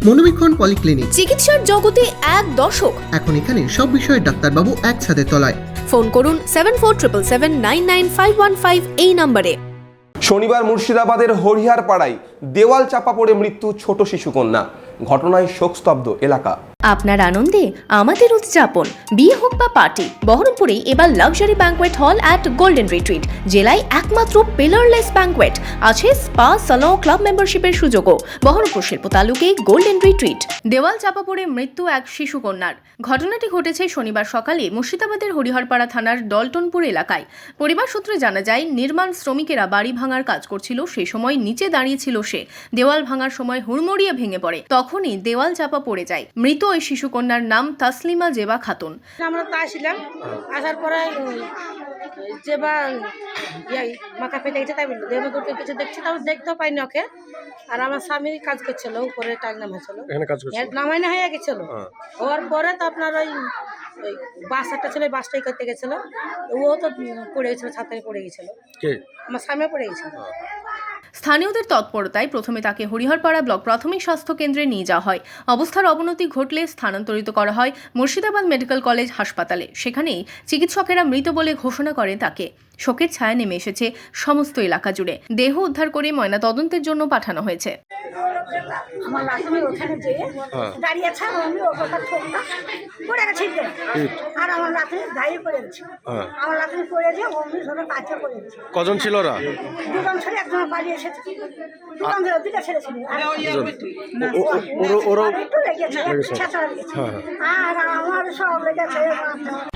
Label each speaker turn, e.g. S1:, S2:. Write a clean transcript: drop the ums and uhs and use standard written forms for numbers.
S1: মনোবীক্ষণ polyclinic,
S2: চিকিৎসার জগতে এক দশক।
S1: এখন এখানে সব বিষয়ে ডাক্তারবাবু একসাথে তলায়।
S2: ফোন করুন 7477799515 এই নম্বরে।
S3: শনিবার মুর্শিদাবাদের হরিহারপাড়ায় দেওয়াল চাপা পড়ে মৃত্যু ছোট শিশুকন্যা। ঘটনায় শোকস্তব্ধ এলাকা।
S2: আপনার আনন্দে আমাদের উদযাপন। বিয়ে হোক বা পার্টি, বহরমপুরে এবার luxury banquet hall at Golden Retreat. জেলায় একমাত্র পিলারলেস ব্যাঙ্কোয়েট, আছে স্পা, সালন, ক্লাব মেম্বারশিপের সুযোগও। বহরমপুর শিল্প তালুকে গোল্ডেন রিট্রিট। দেওয়াল চাপা পড়ে মৃত্যু এক শিশুকন্যার। ঘটনাটি ঘটেছে শনিবার সকালে মুর্শিদাবাদের হরিহরপাড়া থানার ডলটনপুর এলাকায়। পরিবার সূত্রে জানা যায়, নির্মাণ শ্রমিকেরা বাড়ি ভাঙার কাজ করছিল। সেই সময় নিচে দাঁড়িয়েছিল সে। দেওয়াল ভাঙার সময় হুড়মুড়িয়ে ভেঙে পড়ে। তখনই দেওয়াল চাপা পড়ে যায়। মৃত ওই শিশুকন্যার নাম তাসলিমা জেবা খাতুন।
S4: আমরা তো আসলাম, আসার পরে জেবা মাথা ফেটে গেছে, তাই বললো দেহ দুটো কিছু দেখছি, তাও দেখতেও পাইনি ওকে। আর আমার স্বামী কাজ করছিল, উপরে টাইল নামাইছিল, নামাই না হয়ে গেছিল। হওয়ার পরে তো আপনার ওই বাস একটা ছিল, বাসটাই করতে গেছিল, ও তো পড়ে গেছিল, ছাতায় পড়ে গেছিল, আমার স্বামী পড়ে গেছিল।
S2: স্থানীয়দের তৎপরতায় প্রথমে তাকে হরিহরপাড়া ব্লক প্রাথমিক স্বাস্থ্য কেন্দ্রে নিয়ে যাওয়া হয়। অবস্থার অবনতি ঘটলে স্থানান্তরিত করা হয় মুর্শিদাবাদ মেডিকেল কলেজ হাসপাতালে। সেখানেই চিকিৎসকেরা মৃত বলে ঘোষণা করেন তাকে। শোকের ছায়া নেমে এসেছে সমস্ত এলাকা জুড়ে। দেহ উদ্ধার করে ময়না তদন্তের জন্য পাঠানো হয়েছে।
S4: আমার লাঠি ওখানে যেয়ে দাঁড়িয়ে আছে, আমি ওটা ঠোকটা পড়ে গেছে, আর আমার লাঠি দাঁড়িয়ে পড়ে গেছে। আমার লাঠি পড়ে দিয়ে অমনি ধরে কাছে পড়ে গেছে।
S5: কজন ছিল ওরা?
S4: দুজন ছেলে, একজন বাড়ি এসেছে, দুজন ছেলে, দুটা ছেলে ছিল। একটু লেগেছে, ছেঁচড়া লেগেছে, আর আমার সব লেগেছে।